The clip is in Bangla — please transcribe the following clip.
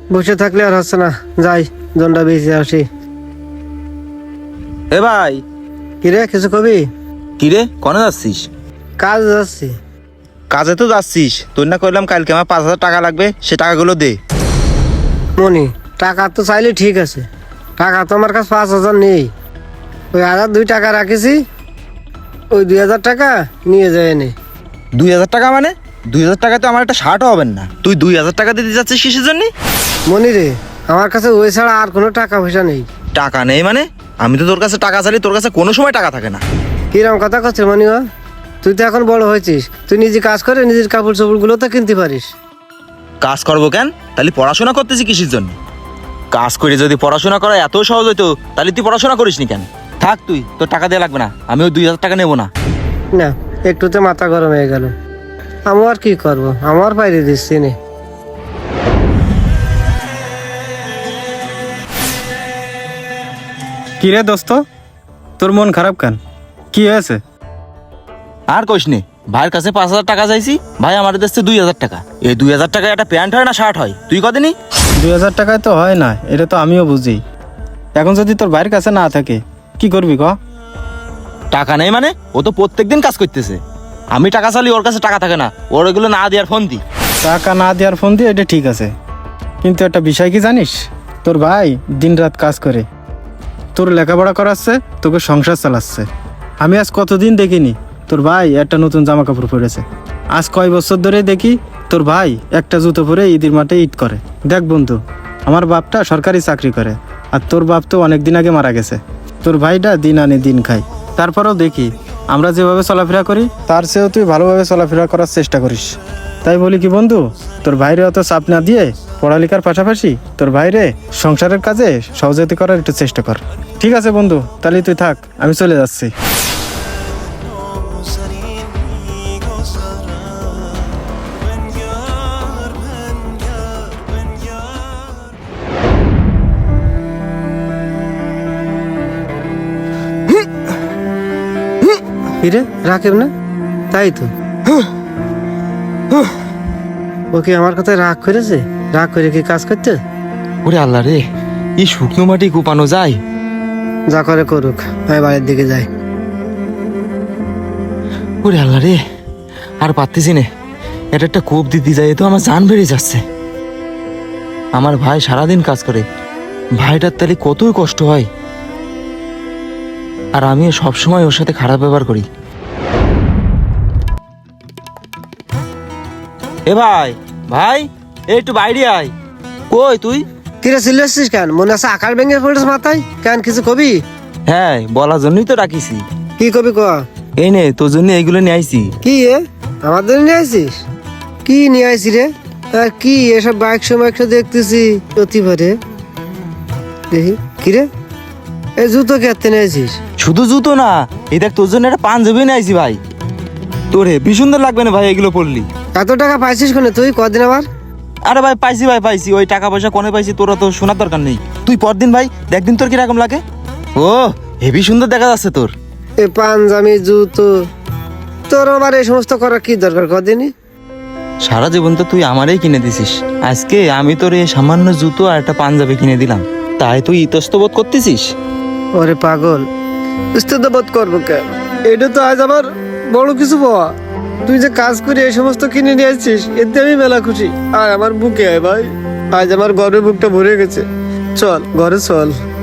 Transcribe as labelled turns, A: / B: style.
A: বসে থাকলে আর হচ্ছে না, যাই জনটা বেঁচে আসি।
B: এ ভাই,
A: কিরে কিছু কবি?
B: কিরে কনে যাচ্ছিস?
A: কাজ যাচ্ছি।
B: কাজে তো যাচ্ছিস, তোর না কইলাম কালকে আমার 5,000 টাকা লাগবে, সে টাকাগুলো দে।
A: মনি, টাকা তো চাইলে ঠিক আছে, টাকা তো আমার কাছে 5,000 নেই। ওই 1,002 টাকা রাখেছি, ওই 2,000 টাকা নিয়ে যায় এনে।
B: 2,000 টাকা মানে? 2,000 টাকা তো আমার একটা শার্টও হবেন না, তুই 2,000 টাকা দিতে যাচ্ছিস কিসের জন্য?
A: মনি রে, আমার কাছে ওই ছাড়া আর কোনো টাকা পয়সা নেই।
B: টাকা নেই মানে? আমি তো তোর কাছে টাকা চাইলে তোর কাছে কোনো সময় টাকা থাকে না।
A: কিরম কথা করছিস মনি? তুই তো এখন বড় হয়েছিস, তুই নিজে কাজ করে নিজের কাপড় চোপড়গুলো তো কিনতে পারিস।
B: কাজ করবো কেন? তাহলে পড়াশোনা করতেছি কিসের জন্য? কাজ করে যদি পড়াশোনা করা এত সহজ হইতো তাহলে তুই পড়াশোনা করিস নি কেন? থাক, তুই তোর টাকা দেওয়া লাগবে না, আমি ওই 2,000 টাকা নেবো না।
A: না, একটুতে মাথা গরম হয়ে গেল। আমি আর কি করবো, আমার বাইরে দিচ্ছি নে।
C: কি রে দোস্ত, তোর মন খারাপ কেন? কি হয়েছে?
B: আর কইস নে, ভাইয়ের কাছে 5,000 টাকা চাইছি, ভাই আমার দিচ্ছে 2,000 টাকা। এই 2,000 টাকা একটা প্যান্ট হয় না শার্ট হয়? তুই কদিনই
C: 2,000 টাকায় তো হয় না, এটা তো আমিও বুঝি। এখন যদি তোর ভাইয়ের কাছে না থাকে কি করবি ক?
B: টাকা নেই মানে? ও তো প্রত্যেকদিন কাজ করতেছে, আমি টাকা চালি ওর কাছে টাকা থাকে না, ওর এগুলো না দেওয়ার ফোন দি।
C: টাকা না দেওয়ার ফোন দিয়ে এটা ঠিক আছে, কিন্তু একটা বিষয় কি জানিস? তোর ভাই দিনরাত কাজ করে তোর লেখাপড়া করাচ্ছে, তোকে সংসার চালাচ্ছে। আমি আজ কতদিন দেখিনি তোর ভাই একটা নতুন জামা কাপড় পরেছে। আজ কয় বছর ধরে দেখি তোর ভাই একটা জুতো পরে ঈদের মাঠে ঈদ করে। দেখ বন্ধু, আমার বাপটা সরকারি চাকরি করে, আর তোর বাপ তো অনেক দিন আগে মারা গেছে। তোর ভাইটা দিন আনে দিন খায়, তারপরেও দেখি আমরা যেভাবে চলাফেরা করি তার চেয়েও তুই ভালোভাবে চলাফেরা করার চেষ্টা করিস। তাই বলি কি বন্ধু, তোর ভাইরে অত চাপ না দিয়ে পড়ালেখার পাশাপাশি তোর ভাইরে সংসারের কাজে সহযোগিতা করার একটু চেষ্টা কর। ঠিক আছে বন্ধু, তাহলে তুই থাক, আমি চলে যাচ্ছি।
A: কিরে রাখেব না? তাই তো, ওকে আমার কথায় রাগ করেছে। রাগ করে কি কাজ করতে?
B: ওরে আল্লাহ রে, এই শুকনো মাটি কোপানো যায়?
A: যা করে করুক, আমি বাড়ির দিকে যাই।
B: ওরে আল্লাহ রে, আর পারতেছি না, এটা একটা কোপ দিতে যায় তো আমার জান বেড়ে যাচ্ছে। আমার ভাই সারাদিন কাজ করে, ভাইটার তাহলে কতই কষ্ট হয়, আর আমিও সবসময় ওর সাথে খারাপ ব্যবহার করি। এ ভাই, ভাই এই একটু বাইরে আয়। কই তুই?
A: কিরে চিল্লাচ্ছিস কেন? মনে আছে আকার ভেঙে পড়েছে মাথায়? কেন কিছু কবি?
B: হ্যাঁ, বলার জন্যই তো ডাকিছি।
A: কি কবি ক?
B: এই নে, তোর জন্য এইগুলো নিয়ে আইছি।
A: কি এ আমাদের নিয়ে আসিস? কি নিয়ে আসি রে? আর কি এসব বাইক সময় দেখতেছি প্রতিবারে দেখি। কিরে এই জুতো কেতে নিয়ে আসিস?
B: শুধু জুতো না, এই দেখ তোর জন্য একটা পাঞ্জাবি নিয়ে আইছি ভাই। তোর হেবি সুন্দর লাগবে না ভাই এগুলো পরলি।
A: এত টাকা পাইছিস কোনে তুই? কদিন আবার?
B: আরে ভাই পাইছি, ভাই পাইছি, ওই টাকা পয়সা কোনে পাইছি তোরা তো শোনার দরকার নেই। তুই পরদিন ভাই দেখদিন তোর কিরকম লাগে। ও হেবি সুন্দর দেখা যাচ্ছে তোর।
A: এই পাঞ্জাবি জুতো তোর আবার এই সমস্ত করার কি দরকার? কদিনই
B: সারা জীবন তো তুই আমারই কিনে দিছিস, আজকে আমি তোর এই সামান্য জুতো আর একটা পাঞ্জাবি কিনে দিলাম, তাই তুই ইতস্ত বোধ করতেছিস?
A: ওরে পাগল, বুঝতে তো বোধ করবো কেন? এটা তো আজ আমার বড় কিছু পাওয়া। তুই যে কাজ করে এই সমস্ত কিনে নিয়ে আসছিস, এতে আমি মেলা খুশি। আর আমার বুকে আয় ভাই, আজ আমার গর্বের বুকটা ভরে গেছে। চল ঘরে চল।